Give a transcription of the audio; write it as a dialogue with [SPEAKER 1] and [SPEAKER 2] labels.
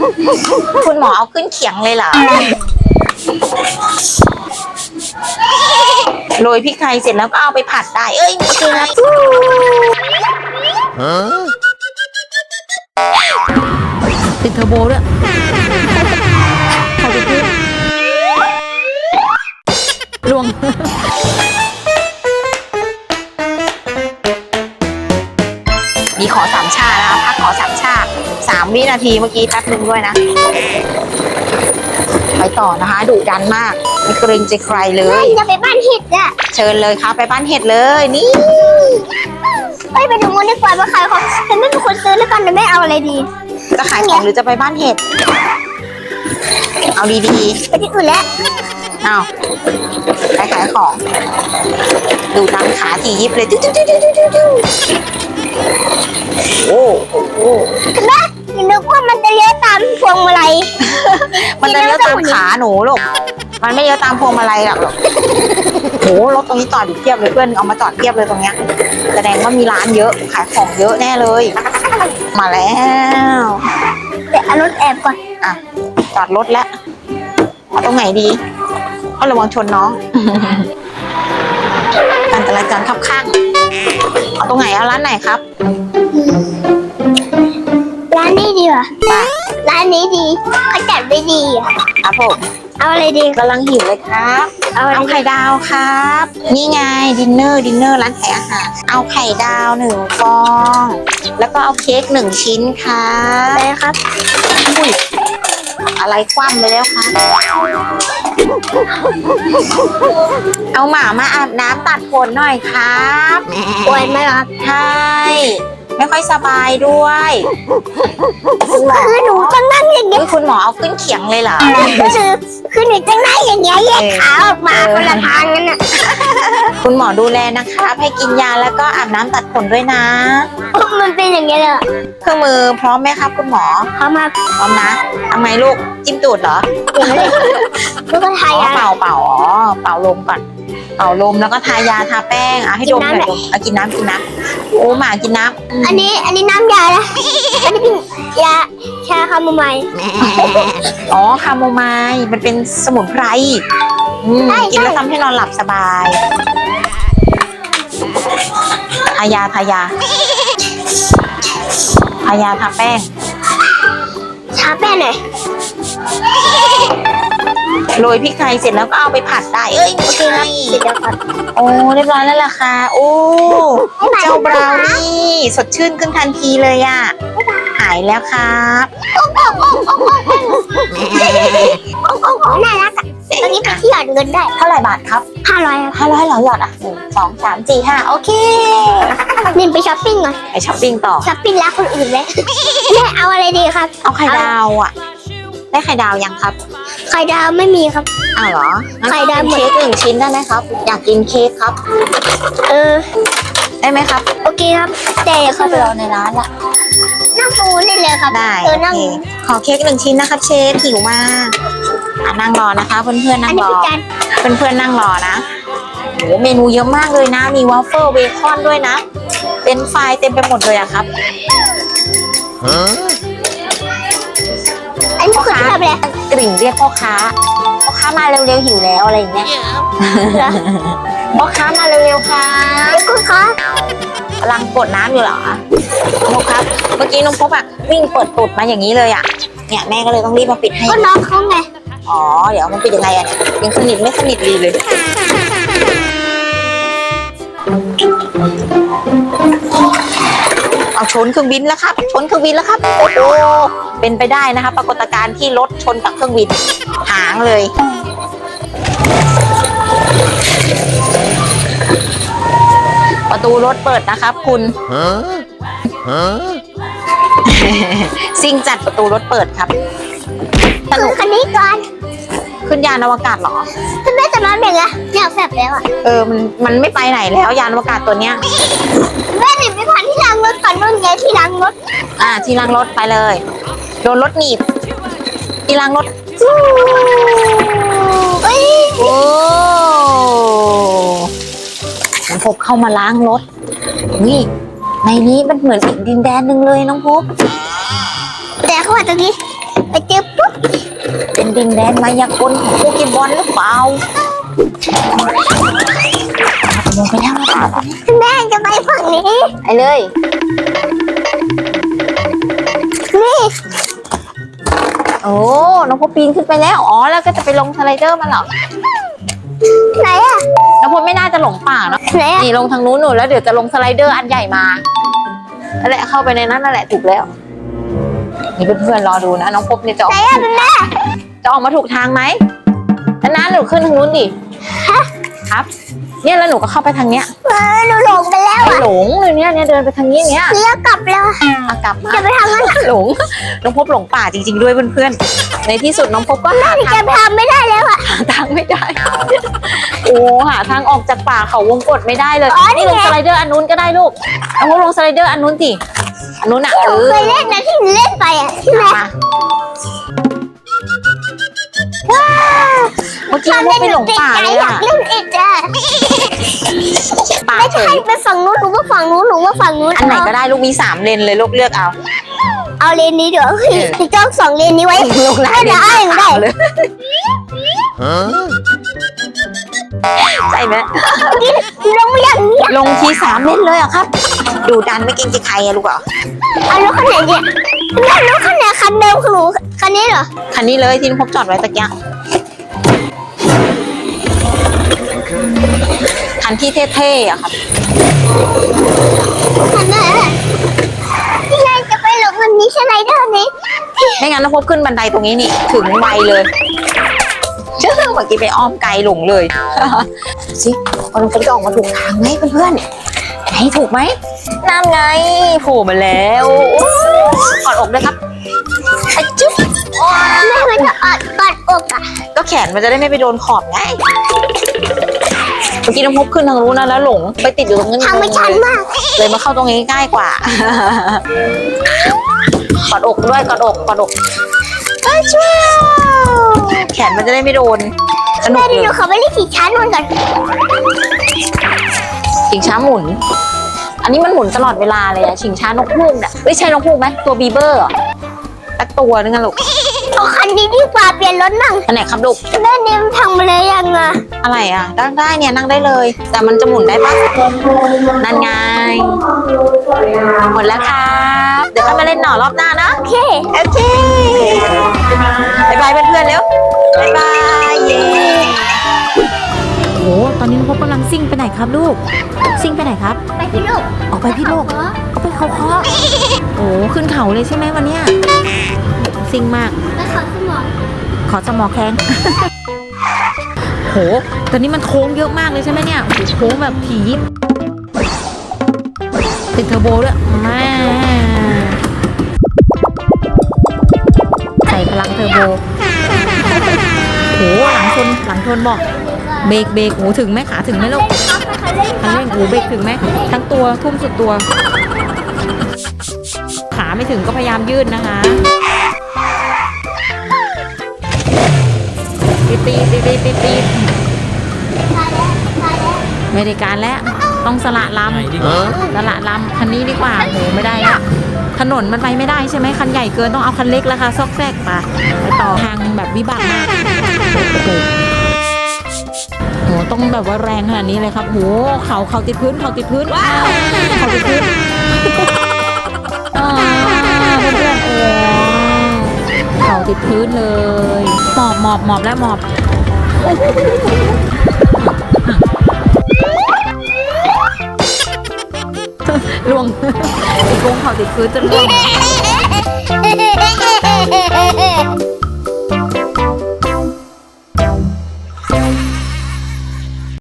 [SPEAKER 1] คุณหมอเอาขึ้นเขียงเลยเหรอโรยพริกไทยเสร็จแล้วก็เอาไปผัดได้เอ้ยไม่ใช่นะติดเทอร์โบด้วยขอไปขึ้นลวงมีขอสามชานะคะพักขอสามชา3 วินาทีเมื่อกี้แป๊บนึงด้วยนะไปต่อนะคะดุดันมากไม่เกรงใจใครเลย
[SPEAKER 2] จะไปบ้านเห็ดอะ
[SPEAKER 1] เชิญเลยครับไปบ้านเห็ดเลยนี่
[SPEAKER 2] ไปดูมันดีกว่าว่าใครเขาฉันไม่เป็นคนซื้อแล้วกันแต่ไม่เอาอะไรดี
[SPEAKER 1] จะขายของหรือจะไปบ้านเห็ดเอาดี
[SPEAKER 2] ๆไปที่อื่นแล้ว
[SPEAKER 1] เอาไปขายของดูดันขาถี่ยิบเลยโอ้โห
[SPEAKER 2] เห็นไหมนึกว่ามันจะเลี้ยวตามพวงมาลัย
[SPEAKER 1] มันจะเลี้ยวตามขาหนูลูกมันไม่เลี้ยวตามพวงมาลัยหรอกโหรถตรงนี้จอดอยู่เทียบเลยเพื่อนเอามาจอดเทียบเลยตรงเนี้ยแสดงว่ามีร้านเยอะขายของเยอะแน่เลยมาแล้ว
[SPEAKER 2] เดี๋ยวเอารถแอบก่อน
[SPEAKER 1] อ่ะจอดรถแล้วเอาตรงไหนดีเอาระวังชนน้องการจราจรขับข้างเอาตรงไหนเอาร้านไหนครับ
[SPEAKER 2] ร้านนี้ดีกว่าร้านนี้ดีเขาจัดไว้ดีอ่ะ
[SPEAKER 1] ครับผม
[SPEAKER 2] เอาอะไรดี
[SPEAKER 1] กำลังหิวเลยครับเอาไข่ดาวครับนี่ไงดินเนอร์ร้านขายอาหารเอาไข่ดาว1 ฟองแล้วก็เอาเค้ก1 ชิ้นครับ
[SPEAKER 2] ได้ครับ
[SPEAKER 1] อุ้ยอะไรคว่ำไปแล้วคะเอาหมามาอาบน้ำตัดขนหน่อยครับ
[SPEAKER 2] ป่วยไหมครับ
[SPEAKER 1] ใช่ไม่ค่อยสบายด้วย
[SPEAKER 2] คือหนูต้องนั่งอย่างเงี้ย
[SPEAKER 1] คุณหมอเอาขึ้นเขียงเลยเหรอ
[SPEAKER 2] คือหนูต้องนั่งอย่างเงี้ยแยกขาออกมาคนละทางนั่นน่ะ
[SPEAKER 1] คุณหมอดูแลนะคะให้กินยาแล้วก็อาบน้ำตัดขนด้วยนะ
[SPEAKER 2] มันเป็นอย่างเงี้ยเลย
[SPEAKER 1] เครื่องมือพร้อมไหมครับคุณหมอ
[SPEAKER 2] พร้อมครับ
[SPEAKER 1] พร้อมนะทำไมลูกจิ้มตูดเหรอ
[SPEAKER 2] แล้วก็ทายา
[SPEAKER 1] เป่าลมก่อนเป่าลมแล้วก็ทายาทาแป้งให้ดมหน่อยกินน้ำโอ้หมากินน้
[SPEAKER 2] ำอันนี้น้ำยานะอันนี้เป็นยาชาคาโมไมล์
[SPEAKER 1] อ๋อคาโมไมล์มันเป็นสมุนไพรกินแล้วทำให้นอนหลับสบายทายาทาแป้ง
[SPEAKER 2] ทาแป้งหน่อย
[SPEAKER 1] โรยพริกไทยเสร็จแล้วก็เอาไปผัดได้เอ้ยโอเคนะ
[SPEAKER 2] เสร็จแล้วครับ
[SPEAKER 1] โอ้เรียบร้อยแล้วล่ะค่ะโอ้เจ้าบราวนี่สดชื่นขึ้นทันทีเลยอ่ะหายแล้วครับ
[SPEAKER 2] น่ารักอ่ะตอนนี้ไปที่หยอดเงินได้
[SPEAKER 1] เท่าไหร่บาทครับ
[SPEAKER 2] 500
[SPEAKER 1] เหรอหยอดอ่ะ1 2 3 4 5โอเค
[SPEAKER 2] นินไปช้อปปิ้งก่อน
[SPEAKER 1] ไปช้อปปิ้งต่อ
[SPEAKER 2] ช้อปปิ้งแล้วคนอื่นเลยแม่เอาอะไรดีครับ
[SPEAKER 1] เอาไข่ดาวอ่ะได้ไข่ดาวยังครับ
[SPEAKER 2] ไข่ดาวไม่มีครับ
[SPEAKER 1] อ้าวเหรอ
[SPEAKER 2] ไข่ดาว
[SPEAKER 1] เค้ก1 ชิ้นได้ไหมครับอยากกินเค้กครับได้ไหมครับ
[SPEAKER 2] โอเคครับแต่
[SPEAKER 1] เข้าไปรอในร้านละ
[SPEAKER 2] นั่งปูนี่เลยครับ
[SPEAKER 1] ได้ขอเค้ก1 ชิ้นนะครับเชฟหิวมากนั่งรอนะคะเพื่อนๆนั่งรอเพื่อนๆนั่งรอนะโหเมนูเยอะมากเลยนะมีวอฟเฟิลเบคอนด้วยนะเป็นไฟเต็มไปหมดเลยอะครับ
[SPEAKER 2] อันนี้คืออะไร
[SPEAKER 1] กริ่งเรียกพ่อค้ามาเร็วๆหิวแล้วอะไรอย่างเงี้ยพ่อค้ามาเร็วๆค่ะ
[SPEAKER 2] พ่อค้
[SPEAKER 1] ากำลังกดน้ำอยู่เหรอน้องครับเมื่อกี้น้องพบอะวิ่งเปิดตูดมาอย่างนี้เลยอะเนี่ยแม่ก็เลยต้องรีบมาปิดให้
[SPEAKER 2] ก็น้องเขาไง
[SPEAKER 1] อ๋อเดี๋ยวมันปิดยังไงอะเนี่ยยังสนิทไม่สนิทดีเลยเอาชนเครื่องบินแล้วครับโอ้โหเป็นไปได้นะคะปรากฏการณ์ที่รถชนกับเครื่องบินหางเลยประตูรถเปิดนะครับคุณซิ่งจัดประตูรถเปิดครับ
[SPEAKER 2] ขึ้นคันนี้ก่อน
[SPEAKER 1] ขึ้นยานอวกาศเหรอ
[SPEAKER 2] คุณแม่จะมาเป็นไงอยากแฝบแล้วอ่ะ
[SPEAKER 1] มันไม่ไปไหนแล้วยานอวกาศตัวเนี้ย
[SPEAKER 2] แม่หนีไปพันที่ล้างรถก่อนนู่นไงที่ล้างรถ
[SPEAKER 1] ที่ล้างรถไปเลยโดนรถหนีบที่ล้างรถโอ้น้องพบเข้ามาล้างรถนี่ในนี้มันเหมือนอีกดินแดนหนึ่งเลยน้องพบ
[SPEAKER 2] แต่เขาว่าตรงนี้ไปเจอปุ๊บ
[SPEAKER 1] เป็นดินแดนมายากลของโปเกมอนหรือเปล่าลงไปแล้วนะครับ
[SPEAKER 2] แม่จะไปฝั่งนี้
[SPEAKER 1] ไปเลย
[SPEAKER 2] นี่
[SPEAKER 1] โอ้น้องพบปีนขึ้นไปแล้วอ๋อแล้วก็จะไปลงสไลเดอร์มาเหรอ
[SPEAKER 2] ไหนอะ
[SPEAKER 1] น้องพบไม่น่าจะหลงป่าเนาะ
[SPEAKER 2] ไหนอะ
[SPEAKER 1] นี่ลงทางนู้นหนูแล้วเดี๋ยวจะลงสไลเดอร์อันใหญ่มานั่นแหละเข้าไปในนั้นนั่นแหละถูกแล้วนี่เพื่อนๆรอดูนะน้องพบเนี่ยจะอ
[SPEAKER 2] ไหน
[SPEAKER 1] อก
[SPEAKER 2] อะเป็นแม่
[SPEAKER 1] จะออกมาถูกทางไหมแล้วนะหนูขึ้นทางนู้นดิครับเนี่ยแล้วหนูก็เข้าไปทางเนี้ย
[SPEAKER 2] หนูหลงไปแล้ว
[SPEAKER 1] ไม่
[SPEAKER 2] อะ
[SPEAKER 1] หลงเลยเนี่ยเดินไปทางนี้เนี้ย
[SPEAKER 2] เลี้ยวกลับแล้ว
[SPEAKER 1] อ่ะกลับมา
[SPEAKER 2] จะไปทำอะไร
[SPEAKER 1] หลงน้องพบหลงป่าจริงๆด้วยเพื่อนๆในที่สุดน้องพบก็หา
[SPEAKER 2] จะ
[SPEAKER 1] ทาง
[SPEAKER 2] ทำไม่ได้แล้วอะ
[SPEAKER 1] หาทางไม่ได้ โอ้หาทางออกจากป่าเขาวงกฏไม่ได้เลย
[SPEAKER 2] อ๋อนี่
[SPEAKER 1] นี่ล
[SPEAKER 2] ไง
[SPEAKER 1] งสไลเดอร์อันนู้นก็ได้ลูกน้องพบลงสไลเดอร์อันนู้นสิอันนู้นอ่ะ
[SPEAKER 2] ที่หนูเคยเล่นนะที่หนูเล่นไปอะใช่ไหม
[SPEAKER 1] มาเมื่อกี้น้องพบไปหลงป่าเลย
[SPEAKER 2] อยา
[SPEAKER 1] อะ
[SPEAKER 2] กเล่นอีกอะ
[SPEAKER 1] ป่า
[SPEAKER 2] ไม่
[SPEAKER 1] เฉ
[SPEAKER 2] ใช่
[SPEAKER 1] ย
[SPEAKER 2] ไปฝั่งนู้นหนูว่าฝั่งนู้นหนูว่าฝั่งนู้น
[SPEAKER 1] อันไหนก็ได้ลูกมี3 เลนเลยลูกเลือกเอา
[SPEAKER 2] เอาเลนนี้เดี๋ยวจะจ้อง2เลนนี้ไว้
[SPEAKER 1] ลงหลายเลน
[SPEAKER 2] ได้ได้
[SPEAKER 1] เลยใช่ไหม
[SPEAKER 2] ลงไม่อย่างนี้
[SPEAKER 1] ลงที3 เลนเลยเหรอะครับ ดูดันไม่เกรงใจใครอะลูกเหรอ
[SPEAKER 2] เอารถคันไหนเนี่ยแม่รถคันไหนคันเดิมของหนูคันนี้เหรอ
[SPEAKER 1] คันนี้เลยที่น้องพบจอดไว้ตะกี้คันที่เท่ๆอะครับ
[SPEAKER 2] คันไหนที่ยายจะไปหลงคันนี้ใช่ไหมเด้อนี้
[SPEAKER 1] ไม่งั้นน้องพบขึ้นบันไดตรงนี้นี่ถึงไวเลยเชื่อเมื่อกี้ไปอ้อมไกลหลงเลย สิว่าน้องพบจะออกมาถูกทางไหมเพื่อนๆไหนถูกไหมนั่นไงโผล่มาแล้วกอดอกด้วยครับไอ้จุ๊บ
[SPEAKER 2] แม่มันจะกอดอกอ่ะ
[SPEAKER 1] ก็แขนมันจะได้ไม่ไปโดนขอบไงเมื่อกี้น้องพบขึ้นทางนู้นนะแล้วหลงไปติดอยู่ตรงนั้น
[SPEAKER 2] ทางไม่ชันมาก
[SPEAKER 1] เลยมาเข้าตรงนี้ง่ายกว่ากอดอกด้วยกอดอกเอ้ยช่วยแขนมันจะได้ไม่โดนสนุ
[SPEAKER 2] แม่
[SPEAKER 1] ก
[SPEAKER 2] ดิ
[SPEAKER 1] เล
[SPEAKER 2] หนู
[SPEAKER 1] ย
[SPEAKER 2] เขาไปเล่นขี่ช้านู่นก่อน
[SPEAKER 1] ชิงช้าหมุน อันนี้มันหมุนตลอดเวลาเลยอะชิงช้านกฮูกเนี่ยไม่ใช่นกฮูกไหมตัวบีเบอร์เหรอสักตัวนึงอะลูก
[SPEAKER 2] เอาคันนี้ดีกว่าเปลี่ยนรถนั่ง
[SPEAKER 1] อันไหนครับลูก
[SPEAKER 2] แม่ดิมทำมาเลยยังอ่ะ
[SPEAKER 1] อะไรอะนั่งได้เนี่ยนั่งได้เลย แต่มันจะหมุนได้ปะนั่นไงหมดแล้วครับเดี๋ยวค่อยมาเล่นหน่อรอบหน้านะ
[SPEAKER 2] โอเค
[SPEAKER 1] โอเคบายบายเพื่อนๆเร็วบายบายเย้โอ้ตอนนี้น้องพบกำลังซิ่งไปไหนครับลูก ซิ่งไปไหนครับ
[SPEAKER 2] ไปพี่ลูก
[SPEAKER 1] ออกไปพี่โลกเอาไปเขาเคาะโอ้ขึ้นเขาเลยใช่ไหมวันเนี้ยซิ่งมาก
[SPEAKER 2] ไปขอสมอง
[SPEAKER 1] ขอสมอแข้ง โหตอนนี้มันโค้งเยอะมากเลยใช่ไหมเนี่ยโอ้โหโค้งแบบผีติดเทอร์โบด้วยแม่ใส่พลังเทอร์โบโหหลังชนบอกเบรกโอ้ถึงไหมขาถึงไหมลูกคันเร่งโอ้เบรกถึงไหมทั้งตัวทุ่มสุดตัว ขาไม่ถึงก็พยายามยืดนะคะตีไม่ได้การแล้วต้องสละลำคันนี้ดีกว่าโหไม่ได้แล้วถนนมันไปไม่ได้ใช่ไหมคันใหญ่เกินต้องเอาคันเล็กแล้วค่ะซอกแซกไปต่อทางแบบวิบากมากโหต้องแบบว่าแรงขนาดนี้เลยครับโหเขาติดพื้นเขาติดพื้นเพื่อนๆโอ้เขาติดพื้นเลยหมอบแล้วหมอบล่วงไอ้โกงเขาติดพื้นจนล่วง